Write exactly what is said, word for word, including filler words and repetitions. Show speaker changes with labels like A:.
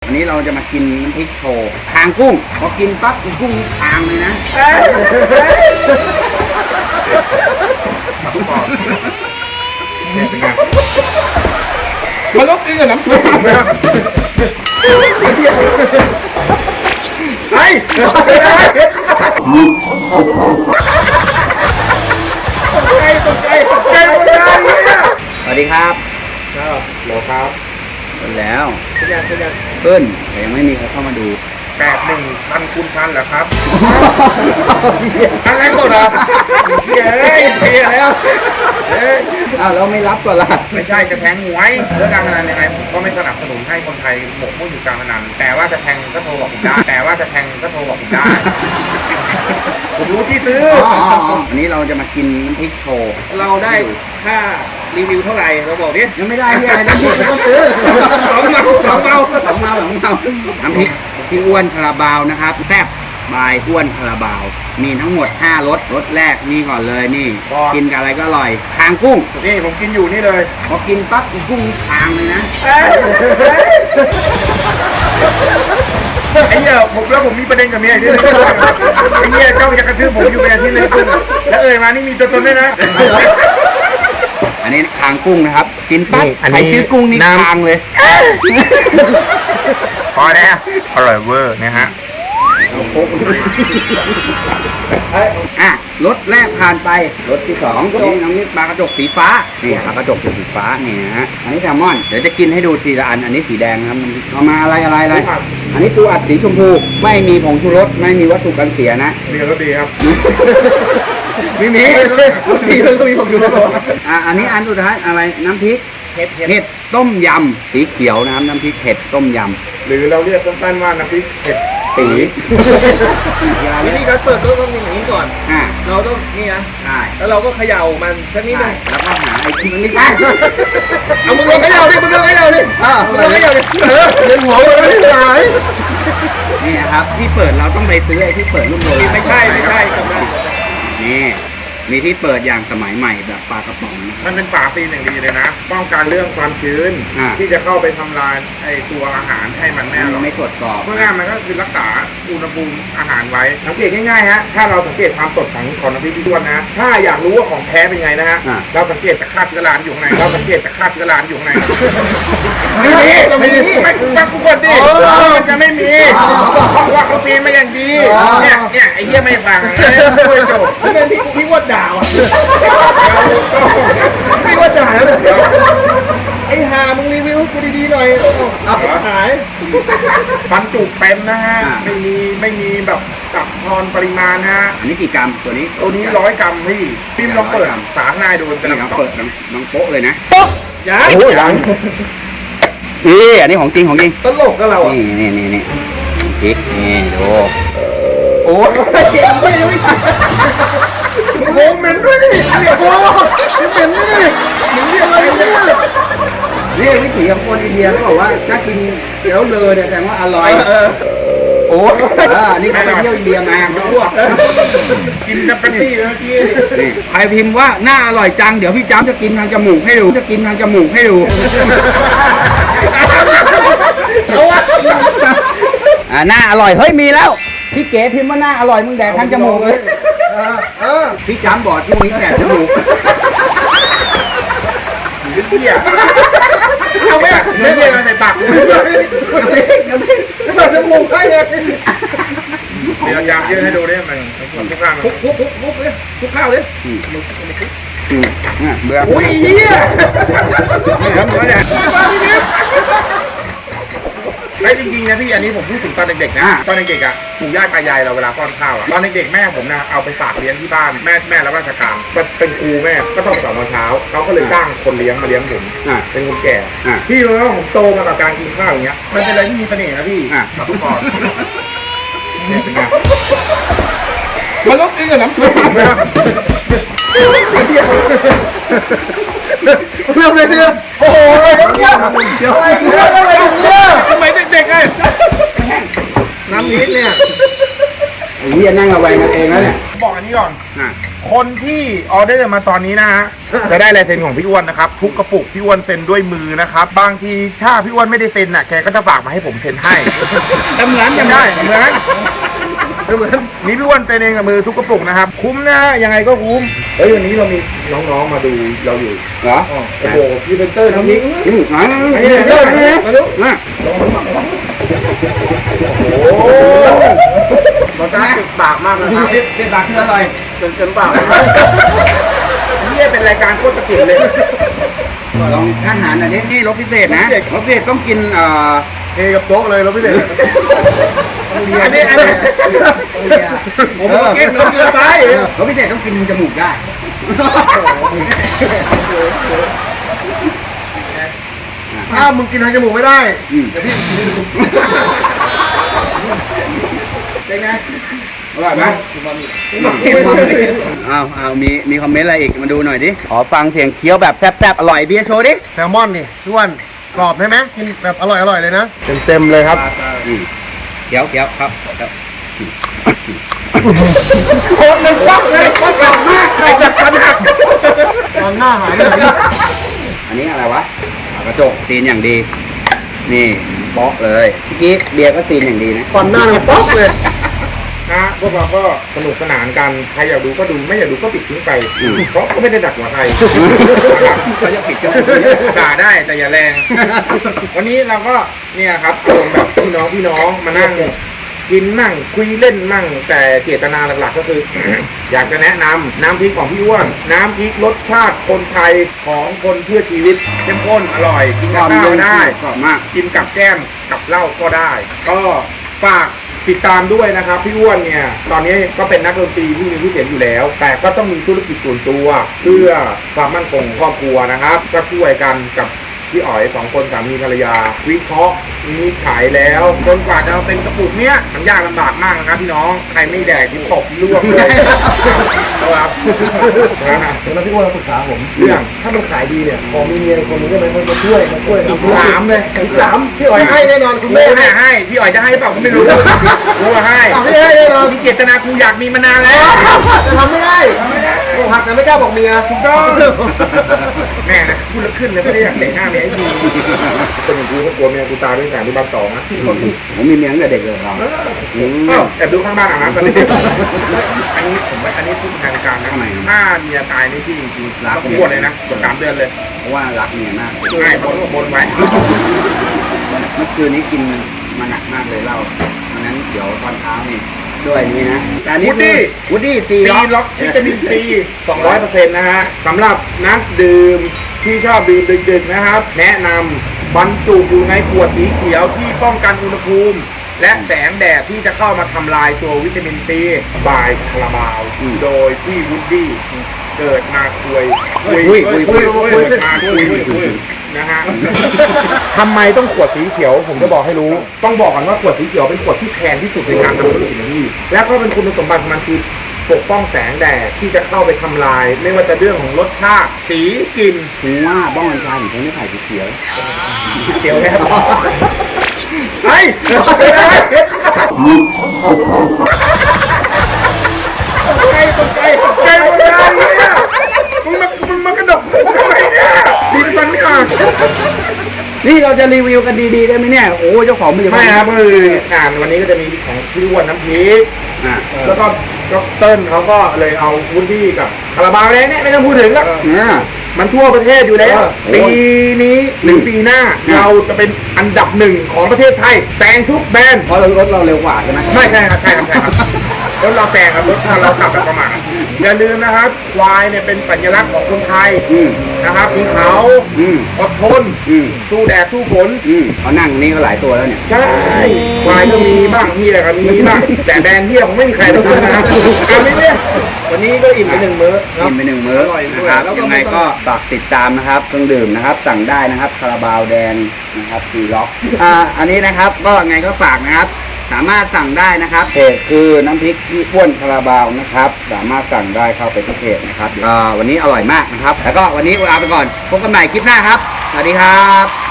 A: วันนี้เราจะมากินน้ำพริกโชว์คางกุ้งพอกินปั๊บอีกุ้งนี่คางเลยนะ
B: มันต้องกินกับน้ำซุปไอ้ตกใจตกใจตกใจหมดเลยเนี่ย
A: สวัสดีครับ
B: ครับโหลครับ
A: เปิดแล้ว
B: เป็นยังเป็นยัง
A: ขึ้นแต่ยังไม่มีใครเข้ามาดู
B: แปดหนึ่งพันคูณพันเหรอครับอะไรก่อนเหรอเฮียเฮ้ยเฮียแล้วเฮ้ย
A: อ้าวเราไม่รับก่อนละ
B: ไม่ใช่จะแทงหวยเรื่องการพนันยังไงผมก็ไม่สนับสนุนให้คนไทยหมกมุ่นอยู่การพนันแต่ว่าจะแทงก็โทรบอกผมได้แต่ว่าจะแทงก็โทรบอกผมได้ผมรู้ที่ซื้อ
A: อ๋ออ๋ออ๋อวันนี้เราจะมากินน้ำพริกโชว์
C: เราได้ค่ารีวิวเท่าไหร่เราบอกดิ
A: ยังไม่ได้ที่อะไรน้ำพริกเราต้องซื้อ
C: สองเมาสองเมา
A: สองเมาสองเมาน้ำพริกพี่อ้วนคาราบาวนะครับแซ่บบายอ้วนคาราบาว มีทั้งหมดห้ารสรสแรกนี่ก่อนเลยนี่ กินกับอะไรก็อร่อยคางกุ้ง
B: นี่ผมกินอยู่นี่เลย
A: พอกินปั๊บอีกุ้งนี่คางเลยนะ
B: ไอ้เหี้ยผมแล้วผมมีประเด็นกับเมียอีกด้วยไอ้เหี้ยเจ้าจะกระทืบผมอยู่เป็นอาทิตย์เลยแล้วเอ่ยมานี่มีตัวตนด้วยนะ
A: อันนี้คางกุ้งนะครับ กินปั๊บ
B: นี่อัน
A: ใคร
B: นี้
A: ชื่อกุ้งนี่
B: น้ำ
A: คางเลย
B: พอแล้วอร่อยเวอร์นะฮะ
A: อ่ะรสแรกผ่านไปรสที่สองนี่น้ำนี่ปลากระจกสีฟ้านี่ปลากระจกสีฟ้านี่นะฮะอันนี้แซลมอนเดี๋ยวจะกินให้ดูทีละอันอันนี้สีแดงนะครับเอามาอะไรอะไรอะไรอันนี้ปูอัดสีชมพูไม่มีผงชูรสไม่มีวัตถุกันเสียนะ
B: ดีก็ดีครับ
A: ไม่มีมีก็มีผงชูรสอ่ะอันนี้อันสุดท้ายอะไรน้ำพริก
C: เห็ดเห็ด
A: เห็ดต้มยำสีเขียวนะครับน้ำพริกเห็ดต้มยำ
B: หรือเราเรียกสั้นๆว่าน้ำพริกเผ็ด
A: สี
C: วิธีการเปิดก็ต้องอย่างนี้ก่อน
A: อ่า
C: เราต้องนี่นะ
A: ใช่
C: แล้วเราก็เขย่ามันสักนิดนึง
A: แล้วก็หาไอ้ที่มันไม่ใช่
C: เอามึงลองเขย่าดิมึงลองเขย่าดิ
A: เออ
C: มึงลองเขย่าดิเออ
B: เลี้ยงหัวมันไม่ได้
A: นี่นะครับที่เปิดเราต้องไปซื้อไอ้ที่เปิดรุ่นโบราณ
C: ไม่ใช่ไม่ใช่จำได้
A: นี่มีที่เปิดอย่างสมัยใหม่แบบปลากระป๋องนะ
B: มันเป็นฝาซีนอย่างดีเลยนะ ป้องกันเรื่องความชื้น
A: อ่า
B: ที่จะเข้าไปทำลายไอตัวอาหารให้มันแน่หรอก
A: ไม่ตรวจสอบ
B: เพื่อง่ายมันก็คือรักษาอุณหภูมิอาหารไว้ สังเกตง่ายๆฮะ ถ้าเราสังเกตความสดของของน้ำพริกพี่ด้วนนะ ถ้าอยากรู้ว่าของแท้เป็นไงนะฮะ
A: อ่า
B: เราสังเกตจากคราบเชื้อราที่อยู่ข้างใน เราสังเกตจากคราบเชื้อราที่อยู่ข้างใน
A: ไม่มี
B: ไม่มีไม่ฟังกูก่อนดิมันจะไม่มี เพราะว่าเขาซีนมาอย่างดี เนี่ยเนี่ยไอ้เหี้ยไม่ฟังช่วยจบ
C: ไม่เป็นพี่พี่ว่าด่าว่ะพี่ว่าด่าแล้วเนี่ยไอ้ห่ามึงรีวิวกูดีๆหน่อยเอาหาย
B: บรรจุเต็มนะฮะ ไม่มีไม่มีแบบจับทอนปริมาณนะฮะ
A: อันนี้กี่กรัมตัวนี้
B: ตัวนี้ร้อยกรัมพี่พิมพ์ลองเปิดสาหน้าดูเป็น
A: นี่เรา
B: ลำ
A: เปิดน้องน้องโป๊ะเลยนะ
C: ยัง
B: โอ้ยยัง
A: นี่อันนี้ของจริงของจริง
C: ตลกกับเราอ่ะ
A: นี่นี่นี่นี่พริกนี่ดูโอ้ย
C: เจ็บไม่ยังไม่ทัน
B: โอ้เหม็นด้วยดิโอ้เหม็นด้วยดิเหม็นเรียกอะไรเนี่ย
A: นี่วิถีของคนอินเดียเขาบอกว่าถ้ากินแล้วเลอเนี่ยแสดงว่าอร่อย
C: เออ
A: โอ้อ่านี่เขาไปเที่ยวอินเดียมา
B: จะอ้วกกินจะเป็นที่เมื่อกี้
A: นี่ใครพิมพ์ว่าหน้าอร่อยจังเดี๋ยวพี่จ้ำจะกินทางจมูกให้ดูจะกินทางจมูกให้ดู
B: เอาวะ
A: อ่าหน้าอร่อยเฮ้ยมีแล้วพี่เก๋พิมพ์ว่าหน้าอร่อยมึงแดกทางจมูกเลย
B: เออ
A: พี่จ้ำบอกช่วงนี้แดกจมูก
B: เหี้ยเอาไหมเนื้อเหี้ยมาใส่ปากจมูกให้เลยเดี๋ยวยางยืดให้ดูดิมันทุกข้าง
C: คุกคุกคุกคุกเลยคุกข้าวเลย
A: อืมอืมอ่ะเบื่อ
C: อุ้ยเหี้ย
A: นี่ครับเบื่อเนี่ย
B: ไอ้จริงๆนะพี่อันนี้ผมพูดถึงตอนเด็กๆนะตอนเด็กๆอ่ะปู่ย่าตายายเราเวลาป้อนข้าวอ่ะตอนเด็กๆแม่ผมนะเอาไปฝากเลี้ยงที่บ้านแม่แม่รับราชการเป็นครูแม่ก็ต้องสอนตอนเช้าเขาก็เลยจ้างคนเลี้ยงมาเลี้ยงผม
A: อ่ะ
B: เป็นคนแก่
A: อ่ะ
B: พี่รู้ไหมว่าผมโตมากับการกินข้าวอย่างเงี้ยมันเป็นอะไรที่มีเสน่ห์นะพี่
A: อ่ะ
B: กับทุกคนเนี่ยเป็นไง
C: มันต้องกินกับน้ำซุป
B: เรื่องอะไรเนี่ยโอ้โหอะไรเนี่ยอะไรเนี่ยอะไรเนี่ย
C: ทำไมเด็กๆไงน้ำพริกเนี่ย
A: ไอ้เหี้ยนั่งระแวงกันเองแล้วเนี่ย
B: บอกอันนี้ก่อน
A: อ่ะ
B: คนที่ออเดอร์มาตอนนี้นะฮะจะได้ลายเซ็นของพี่อ้วนนะครับทุกกระปุกพี่อ้วนเซ็นด้วยมือนะครับบางทีถ้าพี่อ้วนไม่ได้เซ็นน่ะแกก็จะฝากมาให้ผมเซ็นให้
A: ทำร้าน
B: ยั
A: ยัง ง
B: ได้
A: ได้
B: เหมือนเหมือนนี่พี่อ้วนเซ็นเองกับมือทุกกระปุกนะครับคุ้มนะฮะยังไงก็คุ้มเฮ้ยวันนี้เรามีน้องๆมาดูเราอยู่
A: เหรอ
B: โอ้โหพรีเซนเตอร์น้ำพริก
A: อืมอ่า
B: อันนี้เดี๋ยวเดี๋ยว
A: มาดูมา
B: โอ้โหรสชาติติดปากมากเลยครับ
A: เด็ดปากคืออร่อย
B: จนจนปากนี่เป็นรายการโคตรตะกินเลย
A: ลองอาหารอันนี้นี่รสพิเศษนะรสพิเศษต้องกินเอ่อ
B: เทกับโต๊ะเลยเราไม่เด็ด
A: อันนี้อันนี้
C: ผมบอกกินน้ำเกินไป
A: รสพิเศษต้องกินจมูกได้
B: ถ้ามึงกินทางจมูกไม่ได้
A: อืม
B: เดี๋ยวพี่กินให้ดู
C: เป็นไง
A: อร่อยไหมเอาเอามีมีคอมเมนต์อะไรอีกมาดูหน่อยดิขอฟังเสียงเคี้ยวแบบแซ่บๆอร่อยเบียร์โชว์ดิ
B: แซลมอนนี่พี่อ้วนกรอบใช่ไหมกินแบบอร่อยอร่อยเลยนะเต็มเต็มเลยครับ
A: อืมเคี้ยวเคี้ยวครับครับ
B: โคตรหนึ่งป๊อกเลยป๊อกแบบมากกรอบแบบขนาดตอนหน้าหายเลย
A: อันนี้อะไรวะกระจกซีนอย่างดี นี่เป๊อกเลยเมื่อกี้เบียร์ก็ซีนอย่างดีนะ
B: ตอนหน้ามันป๊อกเลยนะพวกเราก็สนุกสนานกันใครอยากดูก็ดูไม่อยากดูก็ปิดทิ้งไปเพราะก็ไม่ได้ดักหัวใคร
A: เขาจะปิดจมูก
B: ด่าได้แต่อย่าแรง วันนี้เราก็เนี่ยครับอารมณ์แบบพี่น้องพี่น้องมานั่งกินมั่งคุยเล่นมั่งแต่เจตนาหลักๆก็คือ อยากจะแนะนำน้ำพริกของพี่อ้วนน้ำพริกรสชาติคนไทยของคนเพื่อชีวิตเข้มข้นอร่อยกินกับข้าวก็ได้
A: กรอบมาก
B: กินกับแก้มกับเหล้าก็ได้ ก็ฝากติดตามด้วยนะครับพี่อ้วนเนี่ยตอนนี้ก็เป็นนักดนตรีที่มีชื่อเสียงอยู่แล้ว แต่ก็ต้องมีธุรกิจส่วนตัวเพื่อความมั่นคงของครอบครัวนะครับ ก็ช่วยกันกับพี่อ๋อยสองคนสามีภรรยา วิเคราะห์วินิจฉัยแล้วจนกว่าจะมาเป็นกระปุกเนี้ยมันยากลำบากมากนะครับพี่น้องใครไม่แดกที่ตบล่วงเลยครับแล้วพี่อ้วนเราปรึกษาผมเรื่องถ้ามันขายดีเนี่ยพอมีเมียคนนึงได้ไหมเขาจะช่วยมาช่วยอีกสามเลยอีกสามพี่อ๋อยให้แน่นอนคุณแม่ให้ให้พี่อ๋อยจะให้เปล่าผมไม่รู้กูให้พี่ให้แน่นอนมีเจตนากูอยากมีมานานแล้วจะทำไม่ได้ทำไม่ได้โอ้หักแต่ไม่กล้าบอกเมียถูกต้องแม่นะพูดแล้วขึ้นเลยไม่ได้อยากเตะหน้าเมียให้ดูคนอย่างกูก็กลัวเมียกูตายด้วยการที่บ้านสองนะ
A: ผมมีเมียตั้งแต่เด็กเลยเราอืม
B: อ้าวแอบดูข้างบ้านอาบน้ำตอนนี้อันนี้ผมว่าอันนี้พูดทางการนะ
A: ทำไม
B: ถ้าเมียตายนี่พี่จริงๆ
A: รัก
B: ต้องบวชเลยนะบวชสามเดือนเลย
A: เพราะว่ารักเมียมาก
B: ไม่บนบนไว้
A: เมื่อคืนนี้กินมาหนักมากเลยเหล้าวันนั้นเดี๋ยวตอนเช้านี่ด้วยนี่นะแต่อันนี้คือวูดดี้ซี
B: ซีล็อกวิตามินซีสองร้อยเปอร์เซ็นต์นะฮะสำหรับนักดื่มที่ชอบดื่มดึกๆนะครับ แนะนำบรรจุอยู่ในขวดสีเขียวที่ป้องกันอุณหภูมิ และแสงแดดที่จะเข้ามาทำลายตัววิตามินซีบายคาราบาว โดยพี่วูดดี้เกิดมาคุยคุย
A: คุย
B: คุ
A: คุ
B: ย
A: ย
B: คุ
A: คุ
B: ย
A: ย
B: เกิดมาคุยนะฮะทำไมต้องขวดสีเขียวผมจะบอกให้รู้ ต้องบอกก่อนว่าขวดสีเขียวเป็นขวดที่แพงที่สุดในการทำธุรกิจนะพี่และก็เป็นคุณสมบัติของมันคือปกป้องแสงแดดที่จะเข้าไปทำลาย ไม่ว่าจะเรื่องของรสชาติสีกลิ่น
A: ถึงว่าบ้องกัญชาถึงใช้ไม่ไผ่สีเขียว
B: เขียวแน่ไอ้ไอ้ตกใจตกใจหมดเลยเนี่ยมึงมามึงมากระดกทำไมเนี่ยดีฟันไม่ออก
A: นี่เราจะรีวิวกันดีๆได้ไหมเนี่ยโอ้เจ้าของมันจะ
B: ไม่ครับก็คืองานวันนี้ก็จะมีของพี่อ้วนน้ำพริก
A: อ่า
B: แล้วก็ก็เติ้ลเขาก็เลยเอาวุ้นที่กับคาราบาวแดงเนี่ยไม่ต้องพูดถึงแล้ว
A: อ่า
B: มันทั่วประเทศอยู่แล้ว
A: โอ้
B: ปีนี้หรือปีหน้า
A: อืม
B: เราจะเป็นอันดับหนึ่งของประเทศไทยแซงทุกแบรนด์
A: เพราะเรารถเราเร็วกว่าใช่ไหม
B: ไม่ใช่ครับใช่ครับใช่ครับรถเราแซงครับรถเราขับแบบประมาทอย่าลืมนะครับควายเนี่ยเป็นสัญลักษณ์ของคนไทย
A: อืม
B: นะครับมีเขา
A: อืม
B: อดทน
A: อืม
B: สู้แดดสู้ฝน
A: อืมเขานั่งนี่ก็หลายตัวแล้วเนี่ย
B: ใช่ควายก็มีบ้างเฮียก็มีบ้างแต่แบรนด์เฮียผมไม่มีใครรู้นะครับอ่ะไม่เนี่ยวันนี้ก็อิ่มไปหนึ่งมื้อ
A: กินไปหนึ่งมื้อ
C: อร่อยด้
A: นะ
C: วย
A: ครับ
C: แล้วก็
A: ยังไง
C: ไม่ต้อง
A: ก็ฝากติดตามนะครับเครื่องดื่มนะครับ สั่งได้นะครับคาราบาวแดงนะครับซีล็อกอ่าอันนี้นะครับก็ไงก็ฝากนะครับ สามารถสั่งได้นะครับเพจคือน้ำพริกที่อ้วนคาราบาวนะครับ สามารถสั่งได้เข้าไปที่เพจนะครับอ่าวันนี้อร่อยมากนะครับ แล้วก็วันนี้ลาไปก่อนพบกันใหม่คลิปหน้าครับสวัสดีครับ